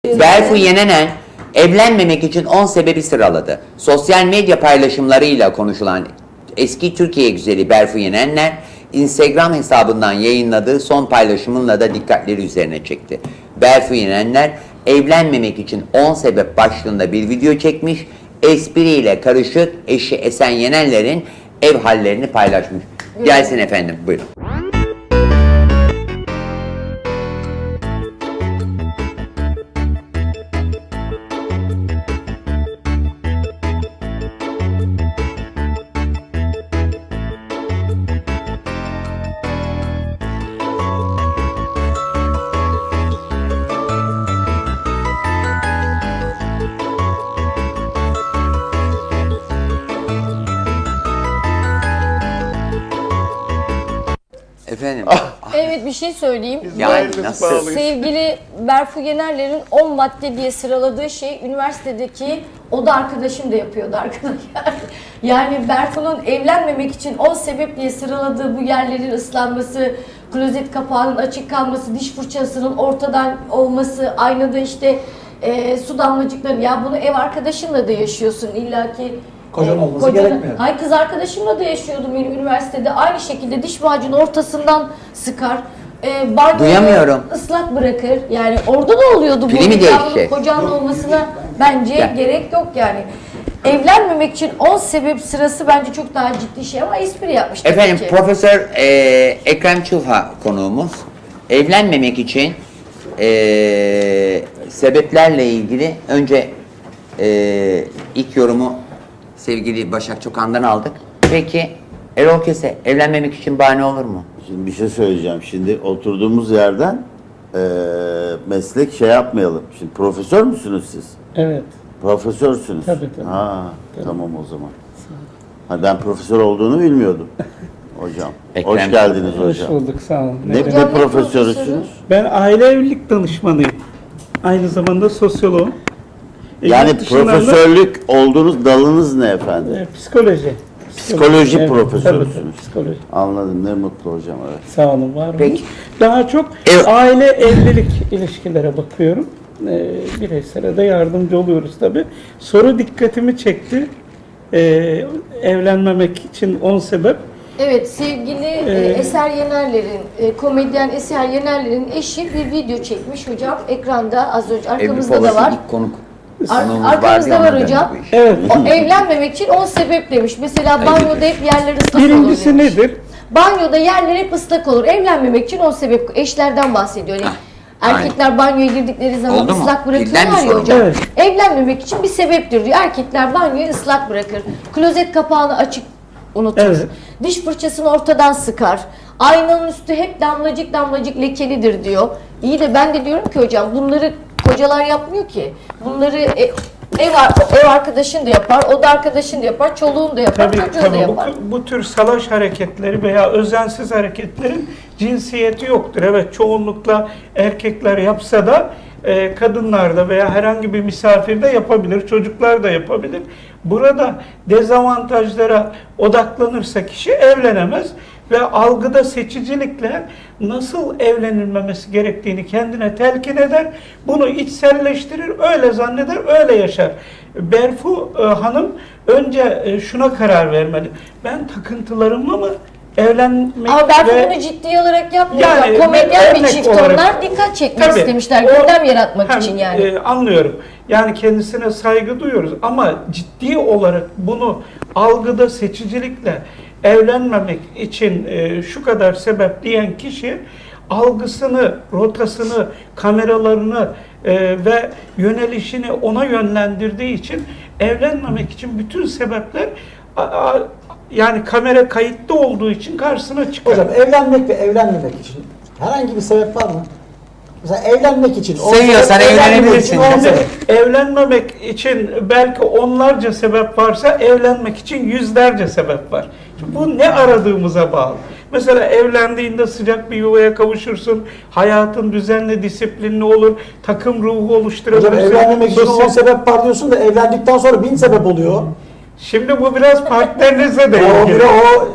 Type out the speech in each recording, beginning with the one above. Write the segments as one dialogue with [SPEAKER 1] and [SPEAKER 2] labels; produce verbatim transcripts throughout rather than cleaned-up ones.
[SPEAKER 1] Berfu Yenenen evlenmemek için on sebebi sıraladı. Sosyal medya paylaşımlarıyla konuşulan eski Türkiye güzeli Berfu Yenenler, Instagram hesabından yayınladığı son paylaşımınla da dikkatleri üzerine çekti. Berfu Yenenler evlenmemek için on sebep başlığında bir video çekmiş, espriyle karışık eşi Esen Yenenler'in ev hallerini paylaşmış. Gelsin efendim, buyurun. Efendim.
[SPEAKER 2] Evet, bir şey söyleyeyim.
[SPEAKER 1] Yani nasıl?
[SPEAKER 2] Sevgili Berfu Yenerler'in on madde diye sıraladığı şey üniversitedeki oda arkadaşım da yapıyordu arkadaşlar. Yani Berfu'nun evlenmemek için on sebep diye sıraladığı bu yerlerin ıslanması, klozet kapağının açık kalması, diş fırçasının ortadan olması, aynada işte e, su damlacıkları. Ya bunu ev arkadaşınla da yaşıyorsun illaki.
[SPEAKER 3] Kocan olması
[SPEAKER 2] Kocanın,
[SPEAKER 3] gerekmiyor.
[SPEAKER 2] Hayır, kız arkadaşımla da yaşıyordum benim üniversitede. Aynı şekilde diş macunu ortasından sıkar. E, banyoyu
[SPEAKER 1] Duyamıyorum.
[SPEAKER 2] ıslak bırakır. Yani orada da oluyordu.
[SPEAKER 1] Pili
[SPEAKER 2] bu.
[SPEAKER 1] mi
[SPEAKER 2] Ya
[SPEAKER 1] değişecek?
[SPEAKER 2] bunun Kocanın olmasına bence
[SPEAKER 1] Ya.
[SPEAKER 2] gerek yok yani. Evlenmemek için on sebep sırası bence çok daha ciddi şey ama espri yapmış tabii
[SPEAKER 1] Efendim,
[SPEAKER 2] ki.
[SPEAKER 1] Profesör e, Ekrem Çılha konuğumuz. Evlenmemek için e, sebeplerle ilgili önce e, ilk yorumu sevgili Başak Çokan'dan aldık. Peki Erol Kese, evlenmemek için bahane olur mu?
[SPEAKER 4] Şimdi bir şey söyleyeceğim. Şimdi oturduğumuz yerden eee, meslek şey yapmayalım. Şimdi profesör müsünüz siz?
[SPEAKER 3] Evet.
[SPEAKER 4] Profesörsünüz.
[SPEAKER 3] Tabii, tabii.
[SPEAKER 4] Ha, tamam o zaman. Ha, ben profesör olduğunu bilmiyordum. Hocam.
[SPEAKER 1] Ekrem.
[SPEAKER 4] Hoş geldiniz
[SPEAKER 3] Hoş
[SPEAKER 4] hocam.
[SPEAKER 3] bulduk, sağ olun.
[SPEAKER 4] Ne,
[SPEAKER 2] Hocam,
[SPEAKER 4] ne
[SPEAKER 2] ne
[SPEAKER 4] profesörüsünüz?
[SPEAKER 2] profesörü?
[SPEAKER 3] Ben aile evlilik danışmanıyım. Aynı zamanda sosyoloğum. E,
[SPEAKER 4] Yani
[SPEAKER 3] yurt dışından da,
[SPEAKER 4] profesörlük olduğunuz dalınız ne efendim?
[SPEAKER 3] e, psikoloji.
[SPEAKER 4] Psikoloji
[SPEAKER 3] Evet,
[SPEAKER 4] profesörüsünüz.
[SPEAKER 3] tabii, tabii, psikoloji.
[SPEAKER 4] Anladım, ne mutlu hocam. Evet.
[SPEAKER 3] Sağ olun, var olun.
[SPEAKER 1] Peki.
[SPEAKER 3] Daha çok
[SPEAKER 1] Evet.
[SPEAKER 3] aile evlilik ilişkilere bakıyorum. E, bireysele de yardımcı oluyoruz tabii. Soru dikkatimi çekti. E, evlenmemek için on sebep.
[SPEAKER 2] Evet, sevgili e,
[SPEAKER 3] Ee,
[SPEAKER 2] Eser Yenerler'in, e, komedyen Eser Yenerler'in eşi bir video çekmiş hocam. Ekranda az önce arkamızda
[SPEAKER 1] Evlilik
[SPEAKER 2] da
[SPEAKER 1] olası
[SPEAKER 2] var.
[SPEAKER 1] ilk konuk.
[SPEAKER 2] Ar-
[SPEAKER 1] konuğumuz vardı
[SPEAKER 2] arkamızda
[SPEAKER 1] ya,
[SPEAKER 2] var
[SPEAKER 1] ondan
[SPEAKER 2] hocam.
[SPEAKER 1] döndü bu iş.
[SPEAKER 3] Evet.
[SPEAKER 2] O, evlenmemek için on sebep demiş. Mesela banyoda hep yerler ıslak olur
[SPEAKER 3] Birincisi
[SPEAKER 2] demiş.
[SPEAKER 3] nedir?
[SPEAKER 2] Banyoda yerler hep ıslak olur. Evlenmemek için on sebep. Eşlerden bahsediyor. Yani
[SPEAKER 1] Ah,
[SPEAKER 2] erkekler banyoya girdikleri zaman
[SPEAKER 1] Oldu mu?
[SPEAKER 2] ıslak
[SPEAKER 1] Dilden
[SPEAKER 2] bırakıyorlar
[SPEAKER 1] mi
[SPEAKER 2] ya
[SPEAKER 1] sorun?
[SPEAKER 2] hocam.
[SPEAKER 3] Evet.
[SPEAKER 2] Evlenmemek için bir sebeptir diyor. Erkekler banyoyu ıslak bırakır. Klozet kapağını açık unutur.
[SPEAKER 3] Evet.
[SPEAKER 2] Diş fırçasını ortadan sıkar. Aynanın üstü hep damlacık damlacık lekelidir diyor. İyi de ben de diyorum ki hocam bunları kocalar yapmıyor ki. Bunları e, ev, ar- ev arkadaşın da yapar, o da arkadaşın da yapar, çoluğun da yapar,
[SPEAKER 3] Tabii,
[SPEAKER 2] çocuğun da
[SPEAKER 3] tabii.
[SPEAKER 2] yapar.
[SPEAKER 3] Bu, bu tür salaş hareketleri veya özensiz hareketlerin cinsiyeti yoktur. Evet, çoğunlukla erkekler yapsa da e, kadınlar da veya herhangi bir misafir de yapabilir, çocuklar da yapabilir. Burada dezavantajlara odaklanırsa kişi evlenemez ve algıda seçicilikle nasıl evlenilmemesi gerektiğini kendine telkin eder, bunu içselleştirir, öyle zanneder, öyle yaşar. Berfu e, Hanım önce e, şuna karar vermeli. Ben takıntılarımla mı evlenmek
[SPEAKER 2] Ama Berfu
[SPEAKER 3] ve...
[SPEAKER 2] bunu ciddi olarak yapmıyor.
[SPEAKER 3] Yani
[SPEAKER 2] Yani, komedyen bir
[SPEAKER 3] örnek
[SPEAKER 2] çift
[SPEAKER 3] olarak-
[SPEAKER 2] onlar dikkat çekmek
[SPEAKER 3] Tabii,
[SPEAKER 2] istemişler.
[SPEAKER 3] o-
[SPEAKER 2] Gündem yaratmak
[SPEAKER 3] hem,
[SPEAKER 2] için yani.
[SPEAKER 3] e, anlıyorum. Yani kendisine saygı duyuyoruz ama ciddi olarak bunu algıda seçicilikle evlenmemek için e, şu kadar sebep diyen kişi algısını, rotasını, kameralarını e, ve yönelişini ona yönlendirdiği için evlenmemek için bütün sebepler a, a, yani kamera kayıtlı olduğu için karşısına çıkar.
[SPEAKER 5] Hocam evlenmek ve evlenmemek için herhangi bir sebep var mı? Mesela evlenmek için on
[SPEAKER 1] Seviyorsan
[SPEAKER 5] sebep, evlenmemek
[SPEAKER 1] evlenebilirsin.
[SPEAKER 5] için on sebep.
[SPEAKER 3] Evlenmemek için belki onlarca sebep varsa evlenmek için yüzlerce sebep var. Şimdi bu ne aradığımıza bağlı. Mesela evlendiğinde sıcak bir yuvaya kavuşursun, hayatın düzenli, disiplinli olur, takım ruhu oluşturabilirsin.
[SPEAKER 5] Hocam evlenmemek için
[SPEAKER 3] sosyal-
[SPEAKER 5] on sebep var diyorsun da evlendikten sonra bin sebep oluyor.
[SPEAKER 3] Şimdi bu biraz partnerinize de
[SPEAKER 5] O
[SPEAKER 3] ilgili.
[SPEAKER 5] bile o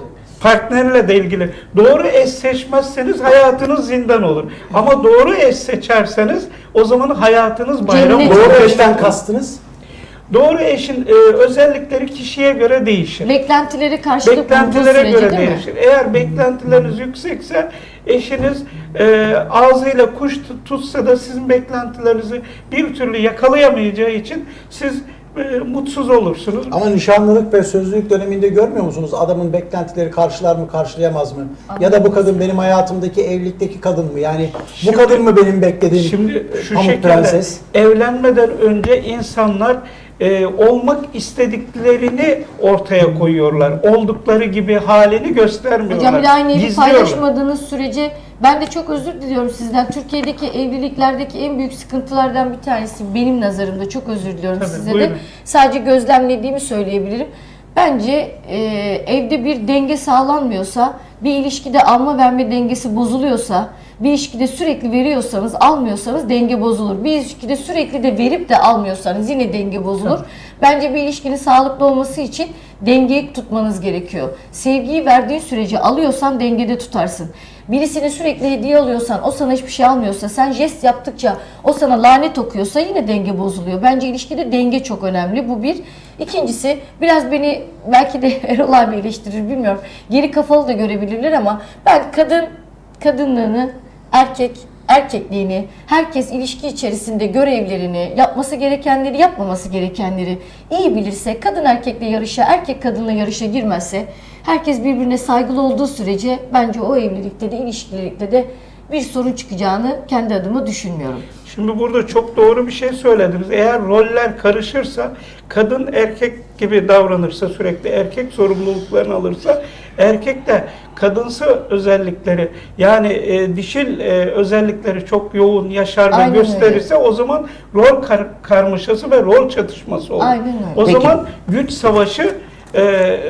[SPEAKER 3] partnerle de ilgili. Doğru eş seçmezseniz hayatınız zindan olur. Ama doğru eş seçerseniz o zaman hayatınız bayram
[SPEAKER 2] Cennet.
[SPEAKER 3] olur.
[SPEAKER 5] Doğru eşten kastınız?
[SPEAKER 3] Doğru eşin e, özellikleri kişiye göre değişir.
[SPEAKER 2] Beklentileri karşılık bulduğu
[SPEAKER 3] Beklentilere
[SPEAKER 2] sürece
[SPEAKER 3] göre
[SPEAKER 2] değil mi?
[SPEAKER 3] değişir. Eğer beklentileriniz yüksekse eşiniz e, ağzıyla kuş tut- tutsa da sizin beklentilerinizi bir türlü yakalayamayacağı için siz e, mutsuz olursunuz.
[SPEAKER 5] Ama nişanlılık ve sözlülük döneminde görmüyor musunuz? Adamın beklentileri karşılar mı, karşılayamaz mı? Ya da bu kadın benim hayatımdaki evlilikteki kadın mı? Yani
[SPEAKER 3] Şimdi-
[SPEAKER 5] bu kadın mı benim beklediğim
[SPEAKER 3] Şimdi şu
[SPEAKER 5] pamuk
[SPEAKER 3] şekilde
[SPEAKER 5] prenses?
[SPEAKER 3] evlenmeden önce insanlar e, olmak istediklerini ortaya koyuyorlar. Oldukları gibi halini göstermiyorlar.
[SPEAKER 2] Hocam bir de aynı evi
[SPEAKER 3] Gizliyorlar.
[SPEAKER 2] paylaşmadığınız sürece ben de çok özür diliyorum sizden. Türkiye'deki evliliklerdeki en büyük sıkıntılardan bir tanesi benim nazarımda, çok özür diliyorum
[SPEAKER 3] Tabii,
[SPEAKER 2] size
[SPEAKER 3] buyurun.
[SPEAKER 2] de. Sadece gözlemlediğimi söyleyebilirim. Bence e, evde bir denge sağlanmıyorsa, bir ilişkide alma verme dengesi bozuluyorsa, bir ilişkide sürekli veriyorsanız, almıyorsanız denge bozulur. Bir ilişkide sürekli de verip de almıyorsanız yine denge bozulur. Bence bir ilişkinin sağlıklı olması için dengeyi tutmanız gerekiyor. Sevgiyi verdiğin sürece alıyorsan dengede tutarsın. Birisine sürekli hediye alıyorsan, o sana hiçbir şey almıyorsa, sen jest yaptıkça o sana lanet okuyorsa yine denge bozuluyor. Bence ilişkide denge çok önemli. Bu bir. İkincisi, biraz beni belki de Erol abi eleştirir bilmiyorum. Geri kafalı da görebilirler ama ben kadın kadınlığını, erkek erkekliğini, herkes ilişki içerisinde görevlerini, yapması gerekenleri, yapmaması gerekenleri iyi bilirse, kadın erkekle yarışa, erkek kadınla yarışa girmezse, herkes birbirine saygılı olduğu sürece bence o evlilikte de, ilişkilikte de bir sorun çıkacağını kendi adıma düşünmüyorum.
[SPEAKER 3] Şimdi burada çok doğru bir şey söylediniz. Eğer roller karışırsa, kadın erkek gibi davranırsa, sürekli erkek sorumluluklarını alırsa, erkek de kadınsı özellikleri, yani e, dişil e, özellikleri çok yoğun yaşar ve
[SPEAKER 2] Aynen
[SPEAKER 3] gösterirse o zaman rol kar- karmaşası ve rol çatışması olur.
[SPEAKER 2] Aynen öyle.
[SPEAKER 3] O
[SPEAKER 1] Peki.
[SPEAKER 3] zaman güç savaşı e,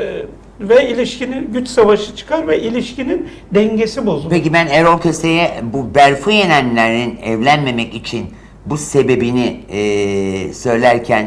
[SPEAKER 3] ve ilişkinin güç savaşı çıkar ve ilişkinin dengesi bozulur.
[SPEAKER 1] Peki ben Erol Köse'ye bu Berfu Yenenler'in evlenmemek için bu sebebini e, söylerken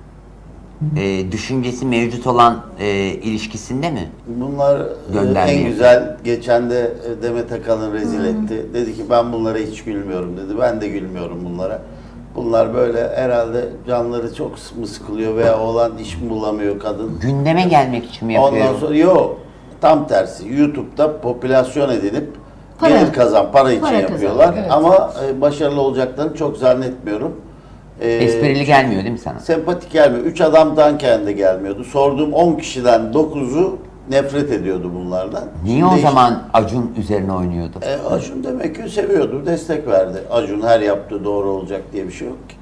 [SPEAKER 1] e, düşüncesi mevcut olan e, ilişkisinde mi?
[SPEAKER 4] Bunlar e,
[SPEAKER 1] Göndermiyor.
[SPEAKER 4] en güzel, geçen de e, Demet Akalın rezil etti. Dedi ki ben bunlara hiç gülmüyorum dedi. Ben de gülmüyorum bunlara. Bunlar böyle herhalde canları çok mı sıkılıyor veya oğlan iş mi bulamıyor kadın.
[SPEAKER 1] Gündeme gelmek için mi yapıyor?
[SPEAKER 4] Ondan sonra yok, tam tersi. YouTube'da popülasyon edinip
[SPEAKER 2] Para.
[SPEAKER 4] gelir kazan, para için
[SPEAKER 2] Para
[SPEAKER 4] yapıyorlar.
[SPEAKER 2] kazan, evet.
[SPEAKER 4] Ama e, başarılı olacaklarını çok zannetmiyorum. E,
[SPEAKER 1] Esprili gelmiyor değil mi sana?
[SPEAKER 4] Sempatik gelmiyor. Üç adamdan kendi gelmiyordu. Sorduğum on kişiden dokuzu nefret ediyordu bunlardan.
[SPEAKER 1] Niye
[SPEAKER 4] Şimdi
[SPEAKER 1] o
[SPEAKER 4] işte-
[SPEAKER 1] zaman Acun üzerine oynuyordu?
[SPEAKER 4] E, Acun demek ki seviyordu, destek verdi. Acun her yaptığı doğru olacak diye bir şey yok ki.